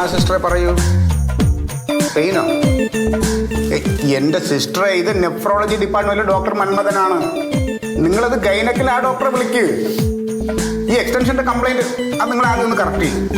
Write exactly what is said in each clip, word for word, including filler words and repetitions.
സിസ്റ്ററെ പറയൂ. പെയിനോ? എൻ്റെ സിസ്റ്ററെ, ഇത് നെഫ്രോളജി ഡിപ്പാർട്ട്മെന്റിലെ ഡോക്ടർ മന്മഥനാണ്. നിങ്ങളത് ഗൈനക്കിൽ ആ ഡോക്ടറെ വിളിക്ക്. ഈ എക്സ്റ്റൻഷന്റെ കംപ്ലൈന്റ് അത് നിങ്ങൾ ആദ്യം ഒന്ന് കറക്റ്റ് ചെയ്യും.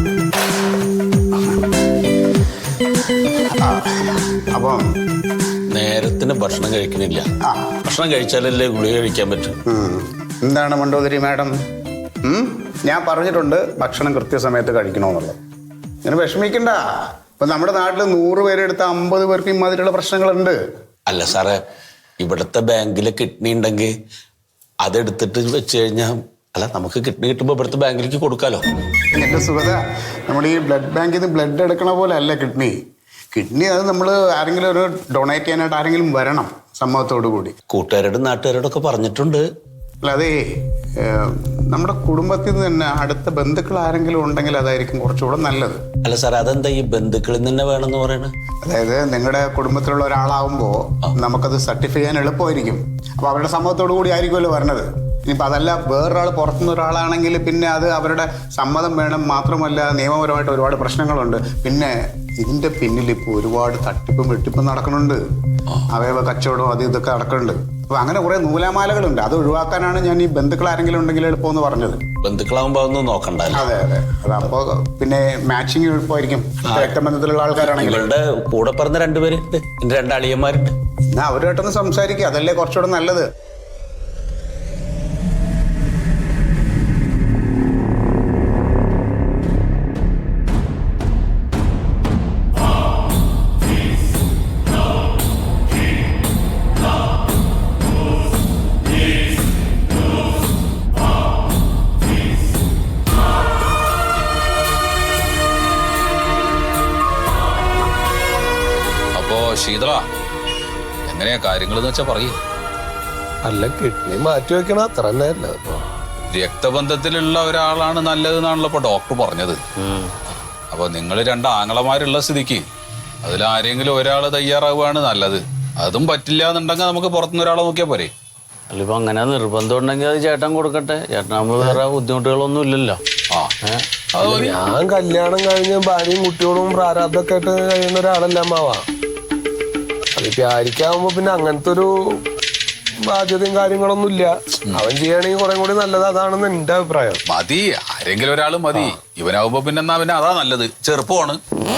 അപ്പം നേരത്തിന് ഭക്ഷണം കഴിക്കുന്നില്ല. ഭക്ഷണം കഴിച്ചാലല്ലേ ഗുളിക കഴിക്കാൻ പറ്റും. എന്താണ് മണ്ടോദരി മാഡം, ഞാൻ പറഞ്ഞിട്ടുണ്ട് ഭക്ഷണം കൃത്യസമയത്ത് കഴിക്കണമെന്നുള്ളത്. ഇങ്ങനെ വിഷമിക്കണ്ട. ഇപ്പൊ നമ്മുടെ നാട്ടിൽ നൂറ് പേരെടുത്ത അമ്പത് പേർക്ക് ഇമാതിരിയുള്ള പ്രശ്നങ്ങളുണ്ട്. അല്ല സാറേ, ഇവിടുത്തെ ബാങ്കില് കിഡ്നി ഉണ്ടെങ്കിൽ അതെടുത്തിട്ട് വെച്ച് കഴിഞ്ഞാൽ, അല്ല നമുക്ക് കിഡ്നി കിട്ടുമ്പോൾ ഇവിടുത്തെ ബാങ്കിലേക്ക് കൊടുക്കാലോ. എന്റെ സുഖത, നമ്മൾ ഈ ബ്ലഡ് ബാങ്കിൽ നിന്ന് ബ്ലഡ് എടുക്കണ പോലെ അല്ല കിഡ്നി. കിഡ്നി അത് നമ്മൾ ആരെങ്കിലും ഒരു ഡൊണേറ്റ് ചെയ്യാനായിട്ട് ആരെങ്കിലും വരണം സമ്മതത്തോടു കൂടി. കൂട്ടുകാരോടും നാട്ടുകാരോടൊക്കെ പറഞ്ഞിട്ടുണ്ട്. അല്ല, അതേ നമ്മുടെ കുടുംബത്തിൽ നിന്ന് തന്നെ അടുത്ത ബന്ധുക്കൾ ആരെങ്കിലും ഉണ്ടെങ്കിൽ അതായിരിക്കും കുറച്ചുകൂടെ നല്ലത്. അല്ല സാർ, അതെന്താ ഈ ബന്ധുക്കളിൽ നിന്ന് വേണമെന്ന് പറയണത്? അതായത് നിങ്ങളുടെ കുടുംബത്തിലുള്ള ഒരാളാവുമ്പോൾ നമുക്കത് സർട്ടിഫൈ ചെയ്യാൻ എളുപ്പമായിരിക്കും. അപ്പൊ അവരുടെ സമ്മതത്തോടു കൂടി ആയിരിക്കുമല്ലോ വരണത്. ഇനിയിപ്പോൾ അതല്ല വേറൊരാൾ പുറത്തുനിന്ന് ഒരാളാണെങ്കിൽ പിന്നെ അത് അവരുടെ സമ്മതം വേണം. മാത്രമല്ല നിയമപരമായിട്ട് ഒരുപാട് പ്രശ്നങ്ങളുണ്ട്. പിന്നെ ഇതിന്റെ പിന്നിൽ ഇപ്പോൾ ഒരുപാട് തട്ടിപ്പും വെട്ടിപ്പും നടക്കുന്നുണ്ട്. അവയവ കച്ചവടവും അത് ഇതൊക്കെ നടക്കുന്നുണ്ട്. അപ്പൊ അങ്ങനെ കുറെ നൂലാമാലകളുണ്ട്. അത് ഒഴിവാക്കാനാണ് ഞാൻ ഈ ബന്ധുക്കൾ ആരെങ്കിലും ഉണ്ടെങ്കിൽ എളുപ്പമെന്ന് പറഞ്ഞത്. ബന്ധുക്കളാകുമ്പോ ഒന്നും നോക്കണ്ട. അതെ അതെ അതപ്പോ പിന്നെ മാച്ചിങ് എളുപ്പമായിരിക്കും. രക്തബന്ധത്തിലുള്ള ആൾക്കാരാണെങ്കിൽ. ഇവളുടെ കൂടെ പറഞ്ഞ രണ്ടുപേര് എന്റെ രണ്ടളിയന്മാരുണ്ട്. എന്നാ അവരുമായിട്ടൊന്ന് സംസാരിക്കുക, അതല്ലേ കുറച്ചുകൂടെ നല്ലത്. ശീതള, എങ്ങനെയാ കാര്യങ്ങളെന്ന് വെച്ചാ പറയൂ. അല്ല, കിഡ്നി മാറ്റി വെക്കണം, അത്ര തന്നെ അല്ല. രക്തബന്ധത്തിലുള്ള ഒരാളാണ് നല്ലതെന്നാണല്ലോ ഇപ്പൊ ഡോക്ടർ പറഞ്ഞത്. അപ്പൊ നിങ്ങൾ രണ്ട് ആങ്ങളമാരുള്ള സ്ഥിതിക്ക് അതിലാരെങ്കിലും ഒരാൾ തയ്യാറാവുകയാണ് നല്ലത്. അതും പറ്റില്ല എന്നുണ്ടെങ്കിൽ നമുക്ക് പുറത്തുനിന്ന് ഒരാളെ നോക്കിയാൽ പോരെ. അല്ല, ഇപ്പൊ അങ്ങനെ നിർബന്ധം ഉണ്ടെങ്കിൽ അത് ചേട്ടൻ കൊടുക്കട്ടെ. ചേട്ടനാകുമ്പോ വേറെ ബുദ്ധിമുട്ടുകളൊന്നും ഇല്ലല്ലോ. ആ ഞാൻ കല്യാണം കഴിഞ്ഞ് ഭാര്യയും കുട്ടികളും പ്രാരാബ്ദമൊക്കെ ആയിട്ട് കഴിയുന്ന ഒരാളല്ല അമ്മാവാ. അതിപ്പോ ആയിരിക്കാവുമ്പോ പിന്നെ അങ്ങനത്തെ ഒരു ബാധ്യതയും കാര്യങ്ങളൊന്നും ഇല്ല. അവൻ ചെയ്യണമെങ്കിൽ കുറെ കൂടി നല്ലത് അതാണെന്ന് എന്റെ അഭിപ്രായം. മതി, ആരെങ്കിലും ഒരാൾ മതി. ഇവനാവുമ്പോ പിന്നെ എന്നാ പിന്നെ അതാ നല്ലത്. ചെറുപ്പമാണ്.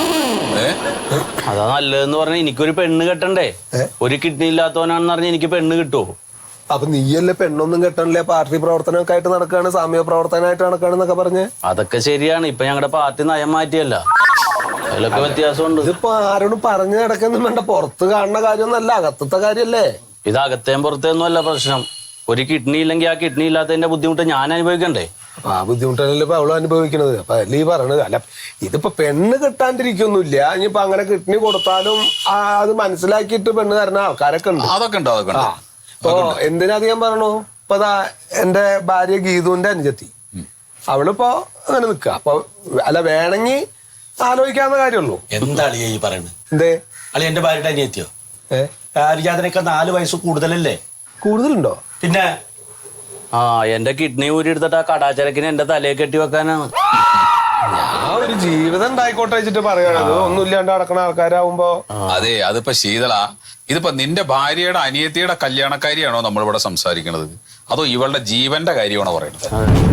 അതാ നല്ലതെന്ന് പറഞ്ഞാൽ എനിക്കൊരു പെണ്ണ് കെട്ടണ്ടേ. ഒരു കിഡ്നി ഇല്ലാത്തവനാണെന്ന് പറഞ്ഞാൽ എനിക്ക് പെണ്ണ് കിട്ടുമോ? അപ്പൊ നീയല്ലേ പെണ്ണൊന്നും കെട്ടണില്ല, പാർട്ടി പ്രവർത്തനമൊക്കെ ആയിട്ട് നടക്കാണ്, സാമൂഹ്യ പ്രവർത്തനമായിട്ട് നടക്കാണെന്നൊക്കെ പറഞ്ഞ്. അതൊക്കെ ശരിയാണ്. ഇപ്പൊ ഞങ്ങളുടെ പാർട്ടി നയം മാറ്റിയല്ല, അതിലൊക്കെ വ്യത്യാസമുണ്ട്. ഇതിപ്പോ ആരോടും പറഞ്ഞു നടക്കൊന്നും വേണ്ട. പുറത്ത് കാണുന്ന കാര്യമൊന്നല്ല, അകത്തത്തെ കാര്യല്ലേ. ഇത് അകത്തേം പുറത്തേന്നും അല്ല പ്രശ്നം. ഒരു കിഡ്നി ഇല്ലെങ്കിൽ ആ കിഡ്നി ഇല്ലാത്തതിന്റെ ബുദ്ധിമുട്ട് ഞാൻ അനുഭവിക്കണ്ടേ? അപ്പൊ ആ ബുദ്ധിമുട്ടല്ലേ ഇപ്പൊ അവള് അനുഭവിക്കണത്. അപ്പൊ അല്ലേ ഈ പറയണത്. അല്ല, ഇതിപ്പോ പെണ്ണ് കിട്ടാണ്ടിരിക്കൊന്നുമില്ല. ഇനിയിപ്പോ അങ്ങനെ കിഡ്നി കൊടുത്താലും അത് മനസ്സിലാക്കിയിട്ട് പെണ്ണ് തരുന്ന ആൾക്കാരൊക്കെ ഉണ്ട്. അതൊക്കെ ഉണ്ട്, അതൊക്കെ ഉണ്ട്. ഇപ്പൊ എന്തിനധികം പറയണു, ഇപ്പൊ ദാ എന്റെ ഭാര്യ ഗീതുവിന്റെ അനുജത്തി, അവളിപ്പോ അങ്ങനെ നിക്ക. അപ്പൊ അല്ല, വേണമെങ്കിൽ ആലോചിക്കാവുന്ന കാര്യമുള്ളൂ. എന്താ അളിയ ഈ പറയുന്നത്? എന്തേ അളി എന്റെ ഭാര്യയുടെ അനിയത്തിയോ? ഏഹ് പാരിജാതനൊക്കെ നാല് വയസ്സ് കൂടുതലല്ലേ? കൂടുതലുണ്ടോ? പിന്നെ ആ എന്റെ കിഡ്നി ഊരി എടുത്തിട്ട് ആ കടാചരക്കിന് എന്റെ തലയെ കെട്ടി വെക്കാനാണ്. ഞാൻ ഒരു ജീവിതം ഉണ്ടായിക്കോട്ടെ വെച്ചിട്ട് പറയണത്. ഒന്നുമില്ലാണ്ട് നടക്കണ ആൾക്കാരാവുമ്പോ. അതെ, അതിപ്പോ ശീതള, ഇതിപ്പോ നിന്റെ ഭാര്യയുടെ അനിയത്തിയുടെ കല്യാണക്കാരിയാണോ നമ്മളിവിടെ സംസാരിക്കണത്, അതോ ഇവളുടെ ജീവന്റെ കാര്യമാണോ പറയുന്നത്?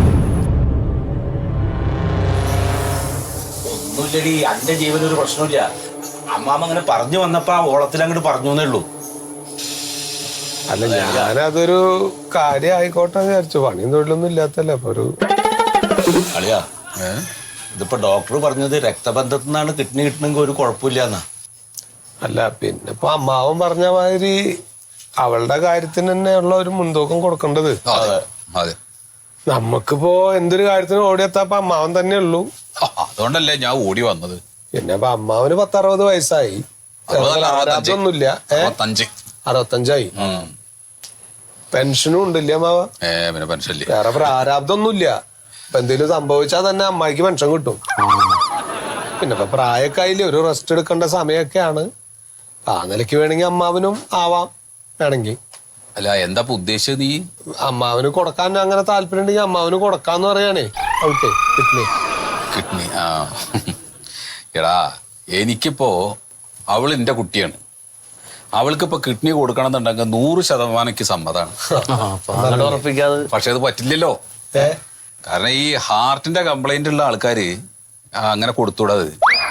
ഒന്നുമില്ലടി, എന്റെ ജീവൻ ഒരു പ്രശ്നമില്ല. അമ്മാമ്മ അങ്ങനെ പറഞ്ഞു വന്നപ്പോ ആ ഓളത്തിൽ അങ്ങോട്ട് പറഞ്ഞു എന്നേ ഉള്ളൂ. അല്ല, ഞാനതൊരു കാര്യം ആയിക്കോട്ടെ വിചാരിച്ചു. പണിയും തൊഴിലൊന്നും ഇല്ലാത്തല്ലേ. അപ്പൊ ഒരു അളിയാ, ഇതിപ്പോ ഡോക്ടർ പറഞ്ഞത് രക്തബന്ധത്തിൽ നിന്നാണ് കിഡ്നി കിട്ടണമെങ്കിൽ ഒരു കുഴപ്പമില്ലാന്നാ. അല്ല, പിന്നെ ഇപ്പൊ അമ്മാവൻ പറഞ്ഞ മാതിരി അവളുടെ കാര്യത്തിന് തന്നെ ഉള്ള ഒരു മുൻതൂക്കം കൊടുക്കേണ്ടത്. അതെ, നമുക്കിപ്പോ എന്തൊരു കാര്യത്തിന് ഓടിയെത്താപ്പ അമ്മാവൻ തന്നെ ഉള്ളൂ. അതുകൊണ്ടല്ലേ ഞാൻ ഓടി വന്നത്. പിന്നെ ഇപ്പൊ അമ്മാവന് പത്തറുപത് വയസ്സായി. ആരാധൊന്നുമില്ല. അറുപത്തഞ്ചായി. പെൻഷനും ഉണ്ടില്ല അമ്മാവ. വേറെ പ്രാരാബ്ദമൊന്നുമില്ല. ഇപ്പൊ എന്തെങ്കിലും സംഭവിച്ചാൽ തന്നെ അമ്മായിക്ക് പെൻഷൻ കിട്ടും. പിന്നെ ഇപ്പൊ പ്രായമൊക്കെ ആയില്ലേ, ഒരു റെസ്റ്റ് എടുക്കേണ്ട സമയമൊക്കെയാണ്. ആ നിലയ്ക്ക് വേണമെങ്കിൽ അമ്മാവനും ആവാം വേണമെങ്കിൽ. അല്ല, എന്താ ഉദ്ദേശിച്ചത് നീ? അമ്മാവന് കൊടുക്കാൻ അങ്ങനെ താല്പര്യം ഉണ്ടെങ്കിൽ അമ്മാവന് കൊടുക്കാന്ന് പറയാണേ അവൾക്ക് കിഡ്നി. കിഡ്നി ആ എടാ എനിക്കിപ്പോ അവൾ എൻ്റെ കുട്ടിയാണ്. അവൾക്കിപ്പോ കിഡ്നി കൊടുക്കണം എന്നുണ്ടെങ്കിൽ നൂറ് ശതമാനം എനിക്ക് സമ്മതമാണ്. ഉറപ്പിക്കാതെ പക്ഷെ അത് പറ്റില്ലല്ലോ. കാരണം ഈ ഹാർട്ടിന്റെ കംപ്ലൈന്റ് ഉള്ള ആൾക്കാര് അങ്ങനെ കൊടുത്തൂടത്.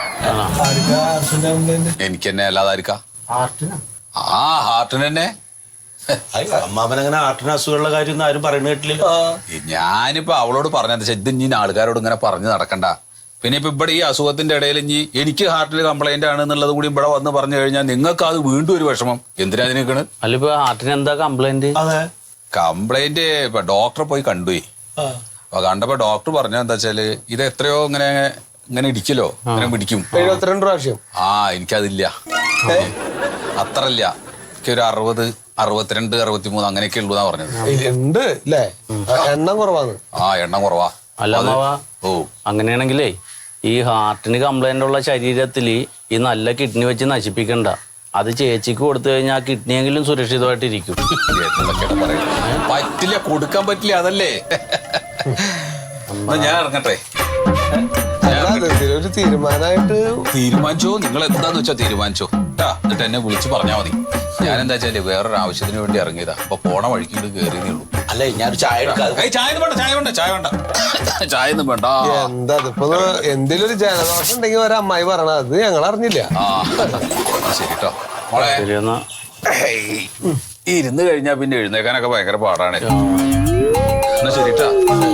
എനിക്ക് തന്നെ അല്ലാതായിരിക്കാം. ആ ഹാർട്ടിന് തന്നെ. അമ്മാവനങ്ങനെ ഹാർട്ടിന് അസുഖമുള്ള കാര്യം ആരും പറയുന്ന കേട്ടില്ലല്ലോ. ഞാനിപ്പോ അവളോട് പറഞ്ഞത് വെച്ചാൽ ഇത് ഇനി ആൾക്കാരോട് ഇങ്ങനെ പറഞ്ഞു നടക്കണ്ട. പിന്നെ ഇപ്പൊ ഇവിടെ ഈ അസുഖത്തിന്റെ ഇടയിൽ ഇനി എനിക്ക് ഹാർട്ടിന് കംപ്ലൈന്റ് ആണ് എന്നുള്ളത് കൂടി ഇവിടെ വന്ന് പറഞ്ഞു കഴിഞ്ഞാൽ നിങ്ങൾക്ക് അത് വീണ്ടും ഒരു വിഷമം. എന്തിനാ നിൽക്കണ്? അല്ല ഇപ്പൊ ഹാർട്ടിന് എന്താ കംപ്ലൈന്റ്? കംപ്ലൈന്റ് ഇപ്പൊ ഡോക്ടറെ പോയി കണ്ടുപോയി. അപ്പൊ കണ്ടപ്പോ ഡോക്ടർ പറഞ്ഞ എന്താ വെച്ചാല് ഇത് എത്രയോ ഇങ്ങനെ ഇങ്ങനെ ഇടിക്കലോ ഇങ്ങനെ പിടിക്കും. എഴുപത്തിരണ്ട് പ്രാവശ്യം. ആ എനിക്കതില്ല, അത്രല്ല. എനിക്കൊരു അറുപത് അറുപത്തിരണ്ട് അറുപത്തിമൂന്ന് അങ്ങനെയൊക്കെ ഉള്ളൂ എന്നാ പറഞ്ഞത്. ഉണ്ട് അല്ലേ? എണ്ണം കുറവാണ്. ആ എണ്ണം കുറവാ. അല്ല അമ്മാവാ, ഓ അങ്ങനെയാണെങ്കിലേ ഈ ഹാർട്ടിന് കംപ്ലൈന്റ് ഉള്ള ശരീരത്തില് ഈ നല്ല കിഡ്നി വെച്ച് നശിപ്പിക്കണ്ട. അത് ചേച്ചിക്ക് കൊടുത്തു കഴിഞ്ഞാൽ ആ കിഡ്നിയെങ്കിലും സുരക്ഷിതമായിട്ടിരിക്കും. പറ്റില്ല, കൊടുക്കാൻ പറ്റില്ല. അതല്ലേ ഞാൻ ഇറങ്ങട്ടെ. ഒരു തീരുമാനമായിട്ട് തീരുമാനിച്ചോ, നിങ്ങൾ എന്താന്ന് വെച്ചാ തീരുമാനിച്ചോ കേട്ടാ. എന്നിട്ട് എന്നെ വിളിച്ച് പറഞ്ഞാൽ മതി. ഞാൻ എന്താ വെച്ചാല് വേറൊരു ആവശ്യത്തിന് വേണ്ടി ഇറങ്ങിയതാ. അപ്പൊ പോണ വഴിക്ക് കയറിയതേ ഉള്ളൂ. അല്ലേ ഞാൻ ചായ എടുക്കാം. ചായ വേണ്ട, ചായ വേണ്ട, ചായ വേണ്ട, ചായ ഒന്നും വേണ്ട. എന്താ ഇപ്പൊ എന്തെങ്കിലും ഒരു ജലദോഷം ഉണ്ടെങ്കിൽ ഒരു അമ്മായി പറയണ അത് ഞങ്ങൾ അറിഞ്ഞില്ല. ആ ശരി കേട്ടോ മോളെ. ശരിയെന്നാ ഇരുന്ന് കഴിഞ്ഞാ പിന്നെ എഴുന്നേക്കാനൊക്കെ ഭയങ്കര പാടാണ്. എന്നാ ശരിട്ടാ.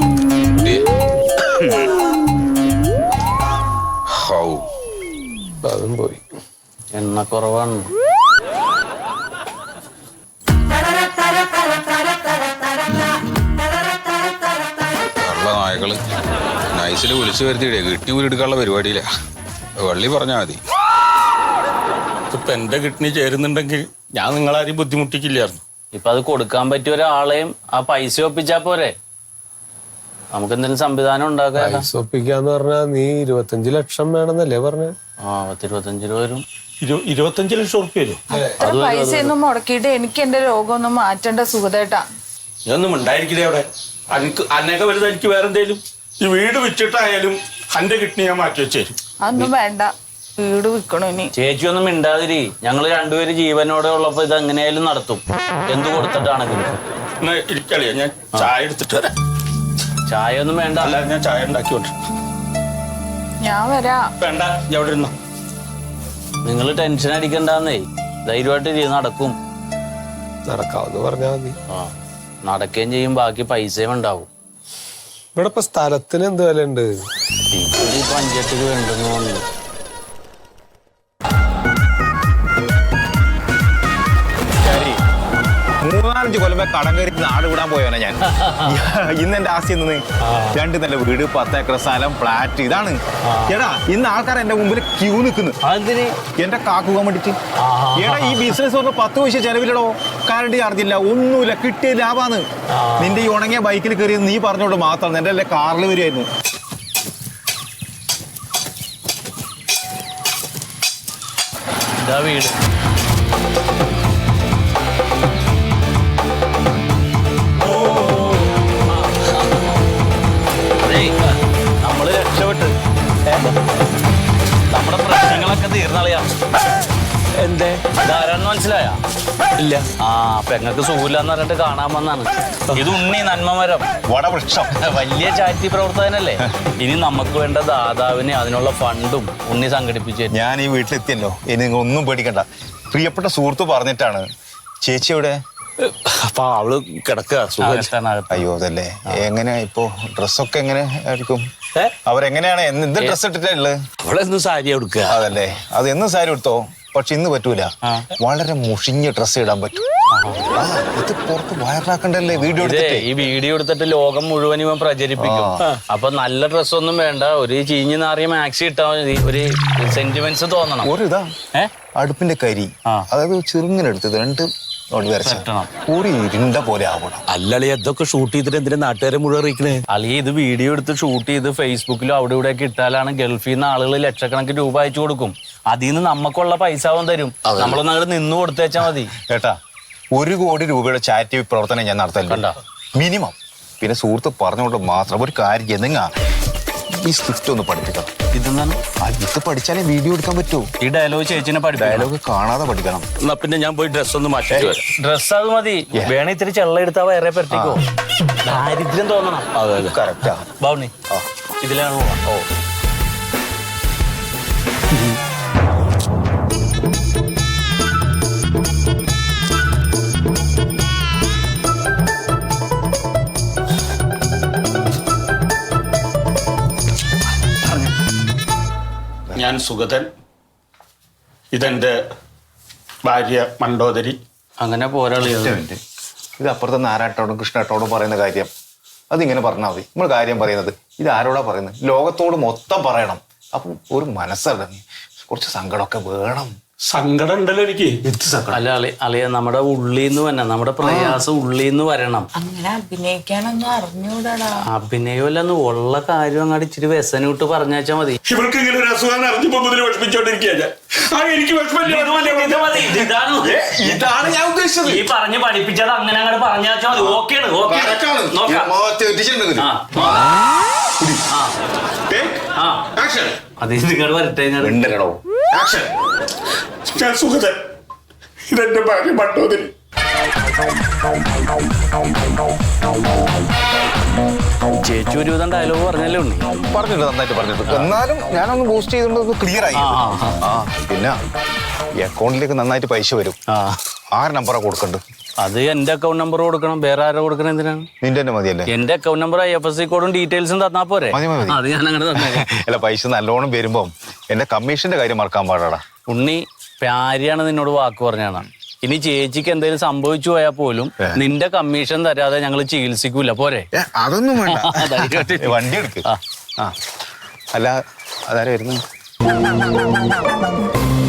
അതും പോയി. എണ്ണ കുറവാണ്. നായകള് നൈസില് വിളിച്ചു വരുത്തിയിടേ കിഡ്നി ഊരെടുക്കാനുള്ള പരിപാടിയില്ല. വള്ളി പറഞ്ഞാ മതി. ഇപ്പൊ എന്റെ കിഡ്നി ചേരുന്നുണ്ടെങ്കിൽ ഞാൻ നിങ്ങളാരും ബുദ്ധിമുട്ടിക്കില്ലായിരുന്നു. ഇപ്പൊ അത് കൊടുക്കാൻ പറ്റിയ ഒരാളെയും ആ പൈസ ഒപ്പിച്ചാ പോരെ. നമുക്ക് എന്തെങ്കിലും സംവിധാനം ഉണ്ടാക്കാം. പൈസ ഒപ്പിക്കാന്ന് പറഞ്ഞാ നീ ഇരുപത്തഞ്ച് ലക്ഷം വേണമെന്നല്ലേ പറഞ്ഞ? ആ പത്തിരുപത്തഞ്ച് രൂപ വരും. ഇരുപത്തഞ്ച് ലക്ഷം ഉറുപ്പ്യ വരും. പൈസ ഒന്നും മുടക്കിയിട്ട് എനിക്ക് എന്റെ രോഗമൊന്നും മാറ്റേണ്ട സുഖതേട്ടാ. ഇതൊന്നും ഉണ്ടായിരിക്കില്ലേ അവിടെ? എനിക്ക് അന്നൊക്കെ വലുത് എനിക്ക് വേറെ എന്തേലും ഈ വീട് വിറ്റിട്ടായാലും എന്റെ കിഡ്നി ഞാൻ മാറ്റി വെച്ചേരും. അതൊന്നും വേണ്ട, വീട് വിൽക്കണോ ഇനി? ചേച്ചി ഒന്നും മിണ്ടാതിരി. ഞങ്ങള് രണ്ടുപേര് ജീവനോടെ ഉള്ളപ്പോ ഇത് എങ്ങനെയായാലും നടത്തും, എന്ത് കൊടുത്തിട്ടാണെങ്കിലും. എന്നാ ഇരിക്കളിയാ, ഞാൻ ചായ എടുത്തിട്ട് വരാം. ചായ ഒന്നും വേണ്ട. അല്ല ഞാൻ ചായ ഉണ്ടാക്കിയോണ്ട്. ഞാൻ വരാ. വേണ്ട, ഞാൻ അവിടെ ഇരുന്നോ. നിങ്ങൾ ടെൻഷൻ അടിക്കണ്ടെന്നേ, ധൈര്യമായിട്ട് ചെയ്ത് നടക്കും. നടക്കാവെന്ന് പറഞ്ഞാ മതി. ആ നടക്കുകയും ചെയ്യും, ബാക്കി പൈസയും ഉണ്ടാവും. ഇവിടെ ഇപ്പൊ സ്ഥലത്തിന് എന്ത് വില ഉണ്ട്? ഈ പഞ്ചായത്തിൽ വേണ്ടെന്ന് പറഞ്ഞു. മൂന്നാലഞ്ച് കൊല്ലം കടം കയറി നാട് വിടാൻ പോയവനെ ഞാൻ. ഇന്ന് എന്റെ ആസ്തി നിന്ന് രണ്ട് നല്ല വീട്, പത്ത് ഏക്കർ സ്ഥലം, ഫ്ലാറ്റ്. ഇതാണ് എടാ ഇന്ന് ആൾക്കാർ എന്റെ മുമ്പിൽ ക്യൂ നിൽക്കുന്നു. അതിന് എന്റെ കാക്കുവാൻ വേണ്ടിട്ട്. എടാ ഈ ബിസിനസ് ഒക്കെ പത്ത് പൈസ ചെലവിലടോ. കറണ്ട് ചാർജ് ഇല്ല, ഒന്നുമില്ല, കിട്ടിയ ലാഭാന്ന്. നിന്റെ ഈ ഉണങ്ങിയ ബൈക്കിൽ കയറി നീ പറഞ്ഞോണ്ട് മാത്രം എന്റെ അല്ലേ കാറിൽ വരുമായിരുന്നു. ഇതാ വീട്. നമ്മള് രക്ഷപ്പെട്ട് നമ്മുടെ പ്രശ്നങ്ങളൊക്കെ തീർന്നളയാ. എന്തേ ഇതാരാന്ന് മനസ്സിലായ? ഇല്ല. ആ പെങ്ങൾക്ക് സുഖമില്ലാന്ന് പറഞ്ഞിട്ട് കാണാൻ വന്നാണ്. ഇത് ഉണ്ണി നന്മമരം വടവൃക്ഷം വലിയ ചാരിറ്റി പ്രവർത്തകനല്ലേ. ഇനി നമുക്ക് വേണ്ട ദാതാവിനെ അതിനുള്ള ഫണ്ടും ഉണ്ണി സംഘടിപ്പിച്ചു. ഞാൻ ഈ വീട്ടിലെത്തിയല്ലോ, ഇനി നിങ്ങൾ ഒന്നും പേടിക്കണ്ട. പ്രിയപ്പെട്ട സുഹൃത്ത് പറഞ്ഞിട്ടാണ്. ചേച്ചി എവിടെ? അപ്പൊ അവള് കിടക്കുക. അയ്യോ അതല്ലേ. എങ്ങനെ ഇപ്പോ ഡ്രസ്സൊക്കെ എങ്ങനെ ആയിരിക്കും? അവരെങ്ങനെയാണ് എന്ത് ഡ്രസ് ഇട്ടിട്ടുള്ളത്? അവളെന്നും സാരി കൊടുക്കുക. അതല്ലേ, അത് എന്നും സാരി എടുത്തോ. പക്ഷെ ഇന്ന് പറ്റൂല. വളരെ മുഷിഞ്ഞ ഡ്രസ്സ് ഇടാൻ പറ്റും. ഇത് പുറത്ത് വയറാക്കണ്ടല്ലേ വീഡിയോ എടുത്തിട്ട്. ഈ വീഡിയോ എടുത്തിട്ട് ലോകം മുഴുവൻ ഇവൻ പ്രചരിപ്പിക്കും. അപ്പൊ നല്ല ഡ്രസ്സൊന്നും വേണ്ട, ഒരു ചീഞ്ഞ് നാറിയ മാക്സി ഇട്ടാ മതി. ഒരു സെന്റിമെന്റ്സ് തോന്നണം. ഒരു ഇതാ അടുപ്പിന്റെ കരി, അതായത് ചെറുങ്ങനെ എടുത്തത് രണ്ട് ഒരു ഇരുണ്ട പോലെ ആവണം. അല്ലളി അതൊക്കെ ഷൂട്ട് ചെയ്തിട്ട് എന്തിനാ നാട്ടുകാരെ മുഴുവൻ അറിയിക്കണേ? അല്ലെങ്കിൽ ഇത് വീഡിയോ എടുത്ത് ഷൂട്ട് ചെയ്ത് ഫേസ്ബുക്കിലും അവിടെ ഇവിടെ ഒക്കെ ഇട്ടാലാണ് ഗൾഫിൽ നിന്ന് ആളുകൾ ലക്ഷക്കണക്കിന് രൂപ അയച്ചു കൊടുക്കും. അതിൽ നിന്ന് നമുക്കുള്ള പൈസ അവൻ തരും. നമ്മളൊന്നും അങ്ങോട്ട് നിന്ന് കൊടുത്തേച്ചാ മതി. കേട്ടാ, ഒരു കോടി രൂപയുടെ ചാരിറ്റി പ്രവർത്തനം ഞാൻ നടത്തലുണ്ട് മിനിമം. പിന്നെ സുഹൃത്ത് പറഞ്ഞുകൊണ്ട് മാത്രം ഒരു കാര്യം ചെയ്യുന്ന ഈ സ്ക്രിപ്റ്റ് ഒന്ന് പഠിപ്പിക്കണം. ഇതെന്താണ്? ഇത് പഠിച്ചാലേ വീഡിയോ എടുക്കാൻ പറ്റൂ. ഈ ഡയലോഗ് ചേച്ചിനെ പഠിപ്പിക്കണം. ഡയലോഗ് കാണാതെ പഠിക്കണം. എന്നാ പിന്നെ ഞാൻ പോയി ഡ്രസ് ഒന്ന് മാറ്റിട്ട് വരാം. ഡ്രസ് അത് മതി. വേണേ ഇത്തിരി ചെള്ള എടുത്താ വേറെ പറ്റിക്കോ. ദാരിദ്ര്യം തോന്നണം. കറക്റ്റാ. ബാവുണി ഇതിലാണ് പോവാ. ഓ ഞാൻ സുഗതൻ, ഇതെന്റെ ഭാര്യ മണ്ടോദരി. അങ്ങനെ പോരാളി. ഇത് അപ്പുറത്തെ നാരായണോടും കൃഷ്ണേട്ടോടും പറയുന്ന കാര്യം അതിങ്ങനെ പറഞ്ഞാൽ മതി. നമ്മൾ കാര്യം പറയുന്നത് ഇത് ആരോടാ പറയുന്നത്? ലോകത്തോട് മൊത്തം പറയണം. അപ്പം ഒരു മനസ്സടങ്ങി കുറച്ച് സങ്കടമൊക്കെ വേണം. സങ്കടം ഉണ്ടല്ലോ എനിക്ക്. അല്ല അളി അളിയ നമ്മുടെ ഉള്ളിന്ന് തന്നെ നമ്മുടെ പ്രയാസം ഉള്ളിന്ന് വരണം. അങ്ങനെ അഭിനയിക്കാനൊന്നും അറിഞ്ഞൂടാ. അഭിനയമല്ലെന്ന് ഉള്ള കാര്യം അങ്ങോട്ട് ഇച്ചിരി വ്യസനം വിട്ട് പറഞ്ഞാച്ചാ മതി. ഇവർക്ക് ഇങ്ങനെ ഒരു അസുഖം അറിഞ്ഞപ്പോ മുതൽ വിഷമിച്ചോണ്ടിരിക്കുക. എനിക്ക് ഇതാണ് ഞാൻ ഉദ്ദേശിച്ചത്. ഈ പറഞ്ഞ് പഠിപ്പിച്ചത് അങ്ങനെ അങ്ങോട്ട് പറഞ്ഞാച്ചാ മതി. ഓക്കെയാണ്. ഓക്കെ അത് നിങ്ങൾ വരട്ടെ. ഞാൻ സുഗതൻ, ഇതെന്റെ ഭാര്യ മണ്ടോദരി. ചേച്ചി ഒരുവിധം ഡയലോഗ് പറഞ്ഞല്ലേ ഉണ്ണി? പറഞ്ഞിട്ട് നന്നായിട്ട് പറഞ്ഞിട്ട്. എന്നാലും ഞാനൊന്ന് ബൂസ്റ്റ് ചെയ്തുകൊണ്ട് ക്ലിയർ ആയി. ആ പിന്നെ ഈ അക്കൗണ്ടിലേക്ക് നന്നായിട്ട് പൈസ വരും. ആറ് നമ്പറാ കൊടുക്കണ്ട്? അത് എന്റെ അക്കൗണ്ട് നമ്പർ കൊടുക്കണം. വേറെ ആരോ കൊടുക്കണം? എന്തിനാണ്? നിന്റെ തന്നെ മതിയല്ലേ? എന്റെ account number I F S C കോഡും ഡീറ്റെയിൽസും തന്നാ പോരെ? മതി മതി. അത് ഞാൻ അങ്ങനെ തന്നെ. അല്ല പൈസ നല്ലോണം വരുമ്പോ എന്റെ കമ്മീഷന്റെ കാര്യം മറക്കാൻ പാടാടാ. ഉണ്ണി പ്യാരിയാണ് നിന്നോട് വാക്ക് പറഞ്ഞാണ്. ഇനി ചേച്ചിക്ക് എന്തെങ്കിലും സംഭവിച്ചു പോയാൽ പോലും നിന്റെ കമ്മീഷൻ തരാതെ ഞങ്ങൾ ചികിത്സിക്കൂല. പോരെ? അതൊന്നും വേണ്ട. വണ്ടി എടുക്ക്. ആ അല്ല അതാരും വരുന്നു.